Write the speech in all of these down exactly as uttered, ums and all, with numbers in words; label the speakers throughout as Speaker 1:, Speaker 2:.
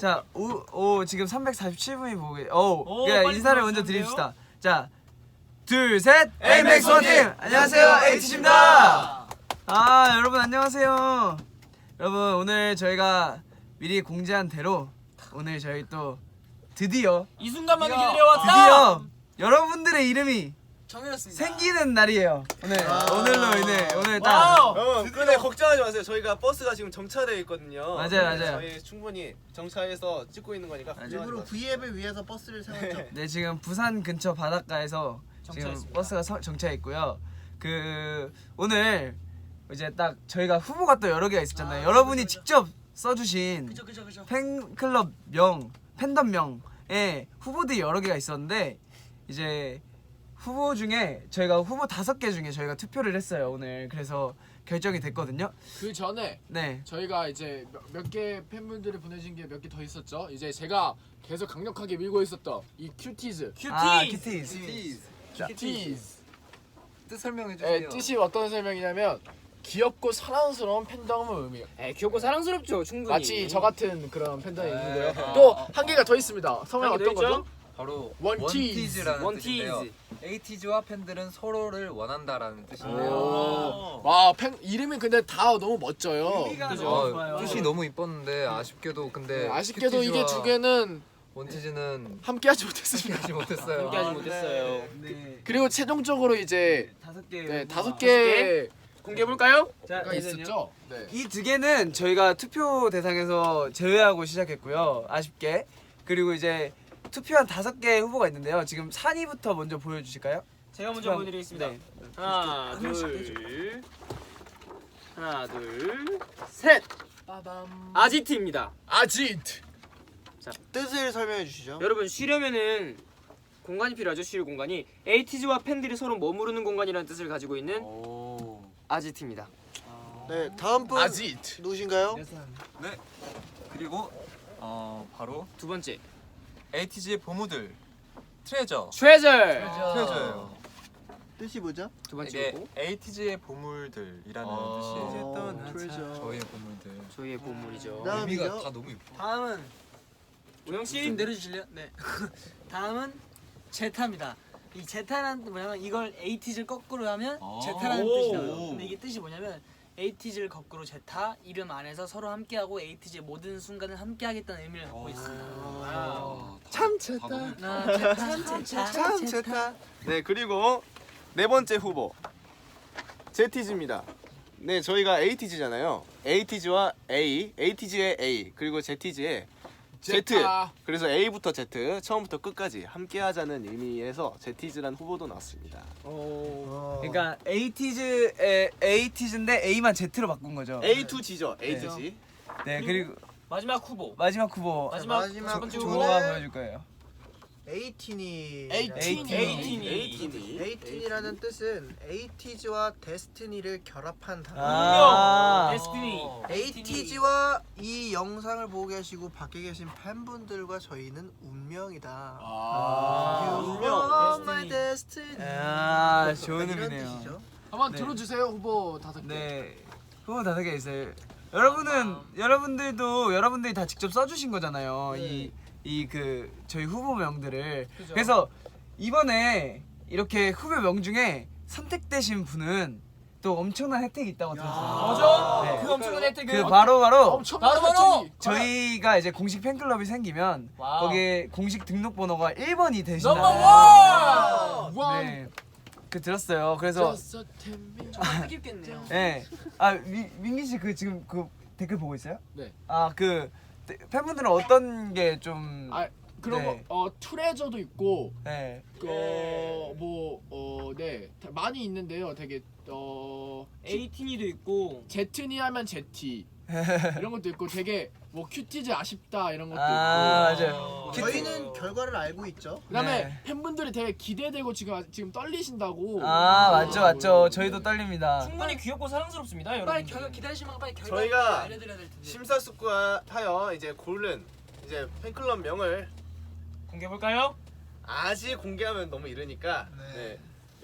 Speaker 1: 자, 오, 오 지금 삼백사십칠 분이 보고 계세요. 오, 그냥 인사를 먼저 드립시다. 자, 둘, 셋. 에이맥스 원팀 안녕하세요, 에이티지입니다. 아, 여러분 안녕하세요. 여러분 오늘 저희가 미리 공지한 대로 오늘 저희 또 드디어
Speaker 2: 이 순간만을 기다려왔다.
Speaker 1: 드디어 여러분들의 이름이
Speaker 3: 정해졌습니다.
Speaker 1: 생기는 날이에요. 오늘
Speaker 4: 아
Speaker 1: 오늘로 인해 오늘 딱.
Speaker 4: 여러분 근데 걱정하지 마세요. 저희가 버스가 지금 정차되어 있거든요.
Speaker 1: 맞아요,
Speaker 4: 네,
Speaker 1: 맞아요.
Speaker 4: 저희 충분히 정차해서 찍고 있는 거니까 걱정하지
Speaker 3: 일부러
Speaker 4: 마세요.
Speaker 3: V앱을 위해서 버스를 세웠죠.
Speaker 1: 네, 지금 부산 근처 바닷가에서 지금
Speaker 2: 정차했습니다.
Speaker 1: 버스가 서, 정차해 있고요. 그 오늘 이제 딱 저희가 후보가 또 여러 개가 있었잖아요.
Speaker 3: 아,
Speaker 1: 여러분이
Speaker 3: 그죠, 그죠.
Speaker 1: 직접 써주신
Speaker 3: 그죠 그죠 그죠.
Speaker 1: 팬클럽 명, 팬덤 명에 후보들이 여러 개가 있었는데 이제 후보 중에 저희가 후보 다섯 개 중에 저희가 투표를 했어요 오늘. 그래서 결정이 됐거든요.
Speaker 5: 그 전에
Speaker 1: 네.
Speaker 5: 저희가 이제 몇 개 팬분들이 보내신 게 몇 개 더 있었죠. 이제 제가 계속 강력하게 밀고 있었던 이 큐티즈.
Speaker 2: 큐티.
Speaker 1: 아, 큐티즈.
Speaker 5: 큐티즈.
Speaker 6: 뜻 설명해
Speaker 5: 네,
Speaker 6: 주세요.
Speaker 5: 뜻이 어떤 설명이냐면 귀엽고 사랑스러운 팬덤을 의미해요.
Speaker 2: 에 귀엽고 사랑스럽죠 충분히.
Speaker 5: 마치 저 같은 그런 팬덤이
Speaker 6: 네.
Speaker 5: 있는데요.
Speaker 6: 아.
Speaker 5: 또 한 개가 더 있습니다. 성함이
Speaker 2: 한개더
Speaker 5: 어떤 거죠?
Speaker 6: 바로
Speaker 5: 원티즈.
Speaker 6: 원티즈라는
Speaker 2: 원티즈.
Speaker 6: 뜻인데요. 에이티즈와 팬들은 서로를 원한다라는 뜻인데요.
Speaker 5: 오. 와, 팬 이름이 근데 다 너무 멋져요.
Speaker 2: 그죠?
Speaker 6: 어,
Speaker 2: 좋아요.
Speaker 6: 뜻이 너무 이뻤는데 아쉽게도 근데
Speaker 5: 네, 아쉽게도 이게
Speaker 6: 큐티즈와
Speaker 5: 두 개는
Speaker 6: 원티즈는
Speaker 5: 함께하지 못했습니다.
Speaker 6: 하지 못했어요.
Speaker 2: 함께하지
Speaker 1: 아,
Speaker 2: 못했어요.
Speaker 1: 네.
Speaker 5: 그리고 최종적으로 이제
Speaker 1: 다섯 개.
Speaker 5: 네, 다섯
Speaker 2: 개?
Speaker 5: 개가
Speaker 2: 공개해 볼까요?
Speaker 1: 자,
Speaker 5: 있었죠. 네.
Speaker 1: 이 두 개는 저희가 투표 대상에서 제외하고 시작했고요. 아쉽게. 그리고 이제 투표한 다섯 개 후보가 있는데요. 지금 산이부터 먼저 보여주실까요?
Speaker 2: 제가 먼저
Speaker 1: 투표한-
Speaker 2: 보여드리겠습니다.
Speaker 1: 네.
Speaker 2: 하나 둘 하나 둘 셋.
Speaker 3: 빠밤.
Speaker 2: 아지트입니다.
Speaker 5: 아지트.
Speaker 3: 뜻을 설명해 주시죠.
Speaker 2: 여러분 쉬려면은 공간이 필요하죠. 쉴 공간이. 에이티즈와 팬들이 서로 머무르는 공간이라는 뜻을 가지고 있는 아지트입니다.
Speaker 3: 네, 다음 분
Speaker 5: 아지트.
Speaker 3: 누구신가요?
Speaker 7: 네. 그리고 어 바로
Speaker 2: 두 번째
Speaker 7: 에이티즈의 보무들 트레저.
Speaker 2: 트레저.
Speaker 7: 트레저예요.
Speaker 3: 뜻이 뭐죠?
Speaker 2: 두 번째
Speaker 7: 이게
Speaker 2: 후보
Speaker 7: 에이티즈의 보물들이라는
Speaker 6: 아.
Speaker 7: 뜻이에요.
Speaker 3: 어, 트레저.
Speaker 6: 저희의 보물들.
Speaker 2: 저희의 보물이죠.
Speaker 3: 나-
Speaker 6: 의미가
Speaker 3: 다음이죠?
Speaker 6: 다 너무 예뻐.
Speaker 8: 다음은
Speaker 2: 우영 씨
Speaker 8: 좀 내려주실래요? 네. 다음은 제타입니다. 이 제타라는 뜻 뭐냐면 이걸 에이티즈를 거꾸로 하면
Speaker 7: 아.
Speaker 8: 제타라는
Speaker 2: 오.
Speaker 8: 뜻이 나요. 근데 이게 뜻이 뭐냐면 에이티즈를 거꾸로 제타 이름 안에서 서로 함께하고 에이티즈의 모든 순간을 함께하겠다는 의미를 갖고 있습니다.
Speaker 6: 아,
Speaker 5: 참
Speaker 6: 다 너무 예뻐.
Speaker 8: 하나, 제타, 제타,
Speaker 4: 참 제타. 네, 그리고 네 번째 후보 제티즈입니다. 네, 저희가 에이티즈잖아요. 에이티즈와 A, 에이티즈의 A, 그리고 제티즈의 Z.
Speaker 5: 제타.
Speaker 4: 그래서 A부터 Z, 처음부터 끝까지 함께하자는 의미에서 제티즈란 후보도 나왔습니다.
Speaker 3: 어.
Speaker 1: 그러니까 에이티즈의 에이티즈인데 A만 Z로 바꾼 거죠.
Speaker 4: A to G죠. A to
Speaker 1: 네.
Speaker 4: G.
Speaker 1: 네, 그리고
Speaker 2: 마지막 후보.
Speaker 1: 마지막 후보
Speaker 2: 마지막
Speaker 3: 마지막
Speaker 2: 첫 번째
Speaker 3: 후보는
Speaker 2: 후보.
Speaker 1: 조가 보여줄 거예요.
Speaker 3: 에이틴이.
Speaker 5: 에이틴이.
Speaker 2: 에이틴이.
Speaker 4: 에이틴이.
Speaker 3: 에이틴이라는 뜻은 에이티즈와 데스티니를 결합한 단어.
Speaker 1: 아.
Speaker 2: 데스티니.
Speaker 3: 에이티즈와 이 영상을 보고 계시고 밖에 계신 팬분들과 저희는 운명이다.
Speaker 5: 아.
Speaker 3: You
Speaker 2: 운명,
Speaker 3: are my destiny.
Speaker 1: 아, 좋은
Speaker 3: 이런
Speaker 1: 의미네요.
Speaker 3: 뜻이죠.
Speaker 5: 한번
Speaker 1: 네.
Speaker 5: 들어주세요 후보 다섯 개.
Speaker 1: 네, 후보 다섯 개 있어요. 여러분은 여러분들도 여러분들이 다 직접 써주신 거잖아요. 이 이 그 저희 후보명들을. 그래서 이번에 이렇게 후보명 중에 선택되신 분은 또 엄청난 혜택이 있다고 들었어요.
Speaker 2: 맞아?
Speaker 1: 네.
Speaker 2: 그 엄청난 혜택은
Speaker 1: 그 바로 바로
Speaker 5: 엄청난
Speaker 2: 바로 바로!
Speaker 5: 혜택이.
Speaker 1: 저희가 이제 공식 팬클럽이 생기면
Speaker 2: 와우.
Speaker 1: 거기에 공식 등록번호가 일 번이 되신다는.
Speaker 2: 넘버 원!
Speaker 5: 원.
Speaker 1: 네, 그 들었어요. 그래서
Speaker 5: Just a ten minutes.
Speaker 8: 뜻깊겠네요.
Speaker 1: 네. 아, 미, 민기 씨 그 지금 그 댓글 보고 있어요?
Speaker 5: 네.
Speaker 1: 아, 그 데- 팬분들은 어떤 게 좀
Speaker 5: 아 그런
Speaker 1: 네.
Speaker 5: 거 어 트레저도 있고
Speaker 1: 네.
Speaker 5: 그뭐어네 많이 있는데요. 되게 어
Speaker 2: 에이틴이도 있고
Speaker 5: 제트니 하면 제티 이런 것도 있고 되게 뭐 큐티즈 아쉽다 이런 것도
Speaker 1: 아,
Speaker 5: 있고.
Speaker 1: 맞아요.
Speaker 3: 저희는 결과를 알고 있죠.
Speaker 5: 그다음에
Speaker 1: 네.
Speaker 5: 팬분들이 되게 기대되고 지금 아- 지금 떨리신다고.
Speaker 1: 아, 맞죠, 맞죠. 저희도 떨립니다.
Speaker 2: 충분히 귀엽고 사랑스럽습니다,
Speaker 8: 빨리
Speaker 2: 여러분.
Speaker 8: 결과 기다리시면 빨리 결과
Speaker 4: 저희가
Speaker 8: 알려드려야 될 텐데.
Speaker 4: 심사숙고하여 이제 고른 이제 팬클럽 명을
Speaker 2: 공개해 볼까요?
Speaker 4: 아직 공개하면 너무 이르니까
Speaker 3: 네.
Speaker 4: 네.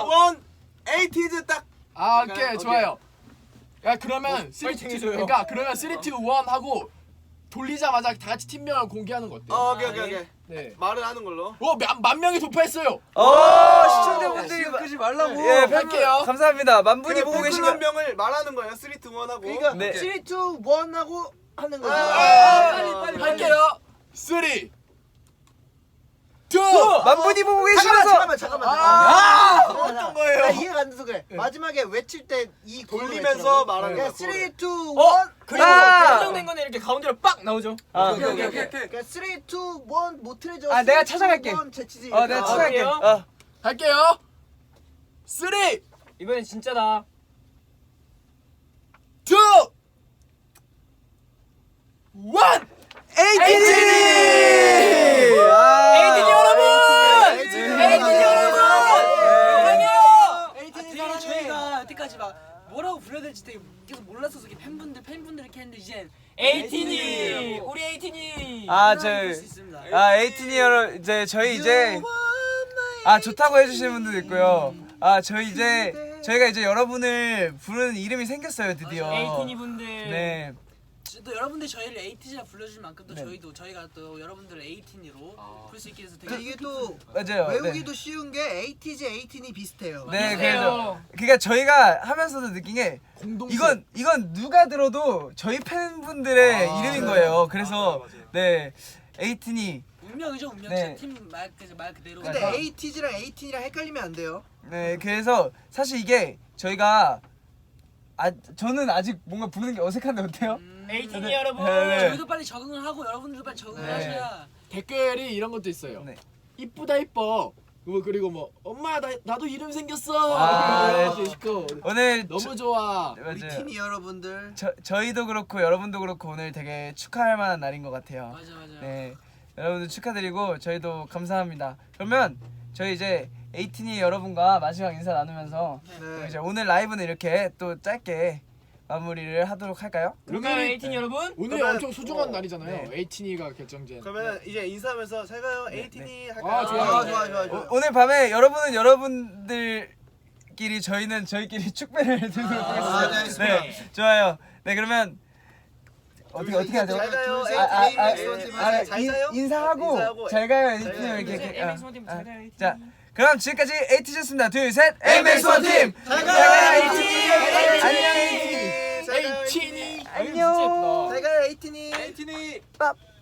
Speaker 4: 원 에이티즈 딱.
Speaker 5: 아
Speaker 4: 그러니까,
Speaker 5: 오케이
Speaker 4: 오케이.
Speaker 5: 좋아요. 야 그러면 쓰리,
Speaker 2: 파이팅
Speaker 5: 투,
Speaker 2: 해줘요.
Speaker 5: 그러니까 그러면 쓰리, 투, 원 하고 돌리자마자 다 같이 팀명을 공개하는 거 어때요?
Speaker 4: 어, 오케이 오케이 오케이.
Speaker 5: 네.
Speaker 4: 말을 하는 걸로.
Speaker 5: 오, 만, 만 명이 돌파했어요.
Speaker 1: 오 시청자분들이
Speaker 6: 끄지 말라고.
Speaker 1: 예 팬분
Speaker 5: 할게요.
Speaker 1: 감사합니다. 만 분이
Speaker 4: 그
Speaker 1: 보고 계신
Speaker 4: 팬클럽
Speaker 1: 거.
Speaker 4: 명을 말하는 거예요. 쓰리, 투, 원 하고.
Speaker 3: 그러니까
Speaker 1: 네.
Speaker 3: 쓰리, 투, 원 하고 하는 거죠.
Speaker 4: 아,
Speaker 2: 빨리, 빨리,
Speaker 5: 할게요. 쓰리, 투.
Speaker 1: 만 분이 보고 계시면서
Speaker 3: 잠깐만 잠깐만 잠깐만.
Speaker 5: 아,
Speaker 3: 잠깐만.
Speaker 5: 어떤 거예요?
Speaker 3: 나 이해가 안 돼서 그래. 마지막에 외칠 때 이
Speaker 4: 돌리면서 말하는
Speaker 3: 그러니까
Speaker 4: 거야.
Speaker 3: 쓰리, 투,
Speaker 2: 어?
Speaker 3: 원.
Speaker 2: 그리고
Speaker 1: 아!
Speaker 2: 결정된 거는 이렇게 가운데로 빡 나오죠.
Speaker 1: 아,
Speaker 6: 오케이 오케이 오케이.
Speaker 3: 그러니까 쓰리, 투, 원 못 틀어줘.
Speaker 1: 아, 내가 찾아갈게.
Speaker 3: 제치지.
Speaker 1: 어 내가
Speaker 2: 아,
Speaker 1: 찾아갈게.
Speaker 2: 그래요?
Speaker 1: 어.
Speaker 5: 할게요. 쓰리,
Speaker 2: 이번엔 진짜다.
Speaker 5: 투, 원.
Speaker 1: 에이티니! 아,
Speaker 2: 에이티니 여러분!
Speaker 3: 에이티니
Speaker 2: 에이티니 여러분! 사랑해요!
Speaker 8: 에이티니 사랑해. 저희가 여태까지 막 뭐라고 불러야 될지 되게 계속 몰랐어서 이렇게 팬분들 팬분들 이렇게 했는데 이젠
Speaker 2: 에이티니! 우리 에이티니!
Speaker 1: 아,
Speaker 8: 저
Speaker 1: 저,
Speaker 8: 부를 수 있습니다.
Speaker 1: 아, 에이티니 여러, 이제, 저희 이제, 아, 좋다고 해주시는 분들도 있고요. 아, 저희 이제, 저희가 이제 여러분을 부르는 이름이 생겼어요, 드디어.
Speaker 2: 에이티니 분들.
Speaker 1: 네.
Speaker 8: 또 여러분들 저희를 에이티니라 불러주실 만큼 또
Speaker 1: 네.
Speaker 8: 저희도 저희가 또 여러분들을 에이티니로 부를 수 있게 돼서 되게
Speaker 3: 근데 이게 또
Speaker 1: 맞아요. 네.
Speaker 3: 외우기도 쉬운 게 에이티즈, 에이티니 비슷해요.
Speaker 1: 네,
Speaker 2: 비슷해요.
Speaker 1: 그래서, 그니까 저희가 하면서도 느낀 게,
Speaker 5: 공동.
Speaker 1: 이건, 이건 누가 들어도 저희 팬분들의
Speaker 5: 아,
Speaker 1: 이름인
Speaker 5: 네.
Speaker 1: 거예요. 그래서, 네, 에이티니.
Speaker 8: 운명이죠 운명.
Speaker 1: 네.
Speaker 8: 진짜 팀말 말 그대로.
Speaker 3: 근데
Speaker 1: 맞아.
Speaker 3: 에이티즈랑 에이티니랑 헷갈리면 안 돼요.
Speaker 1: 네, 그래서 사실 이게 저희가, 아, 저는 아직 뭔가 부르는 게 어색한데 어때요?
Speaker 8: 음,
Speaker 2: 에이티니 여러분!
Speaker 1: 네, 네.
Speaker 8: 저희도 빨리 적응을 하고 여러분들도 빨리 적응을
Speaker 1: 네.
Speaker 8: 하셔야.
Speaker 5: 댓글이 이런 것도 있어요.
Speaker 1: 네.
Speaker 5: 이쁘다 이뻐. 뭐 그리고 뭐 엄마 나 나도 이름 생겼어.
Speaker 1: 아, 네.
Speaker 5: 이렇게 시고
Speaker 1: 오늘
Speaker 5: 너무
Speaker 1: 저-
Speaker 5: 좋아.
Speaker 3: 우리
Speaker 1: 맞아요.
Speaker 3: 티니 여러분들
Speaker 1: 저 저희도 그렇고 여러분도 그렇고 오늘 되게 축하할 만한 날인 것 같아요.
Speaker 8: 맞아 맞아.
Speaker 1: 네, 여러분들 축하드리고 저희도 감사합니다. 그러면 저희 이제 에이틴이 여러분과 마지막 인사 나누면서 또 이제 오늘 라이브는 이렇게 또 짧게 마무리를 하도록 할까요?
Speaker 8: 그러면 에이틴 여러분
Speaker 5: 오늘
Speaker 3: 그러면-
Speaker 5: 엄청 소중한
Speaker 3: 어,
Speaker 5: 날이잖아요. 에이틴이가 결정된.
Speaker 3: 그러면 이제 인사하면서 잘 가요 에이티니 할까요?
Speaker 5: 아, 좋아요.
Speaker 3: 아, 좋아 좋아 좋아.
Speaker 1: 오, 오늘 밤에 여러분은 여러분들끼리 저희는 저희끼리 축배를 들도록
Speaker 3: 아, 네,
Speaker 1: 하겠습니다.
Speaker 3: 알겠습니다.
Speaker 1: 네, 좋아요. 네, 그러면 어떻게 어떻게 하죠?
Speaker 3: 잘 가요
Speaker 1: 아, 아, 아,
Speaker 3: 에이티니
Speaker 1: 아,
Speaker 3: 잘
Speaker 1: 인-
Speaker 3: 가요?
Speaker 1: 인사하고
Speaker 3: 인사하고
Speaker 1: 잘 가요
Speaker 3: 잘
Speaker 1: 에이틴
Speaker 3: 가요.
Speaker 1: 이렇게 이렇게.
Speaker 8: 에이맥스
Speaker 1: 아,
Speaker 8: 원팀
Speaker 1: 아,
Speaker 8: 잘 가요 에이틴.
Speaker 1: 자, 그럼 지금까지 에이티즈였습니다. 둘, 셋, 에이맥스 원팀
Speaker 3: 잘
Speaker 1: 가요,
Speaker 3: 가요
Speaker 1: 에이틴!
Speaker 3: 에이티니
Speaker 1: 안녕, 에이틴!
Speaker 3: 잘 가요
Speaker 5: 에이틴이.
Speaker 1: 안녕.
Speaker 3: 잘 가요 에이티니
Speaker 1: 밥.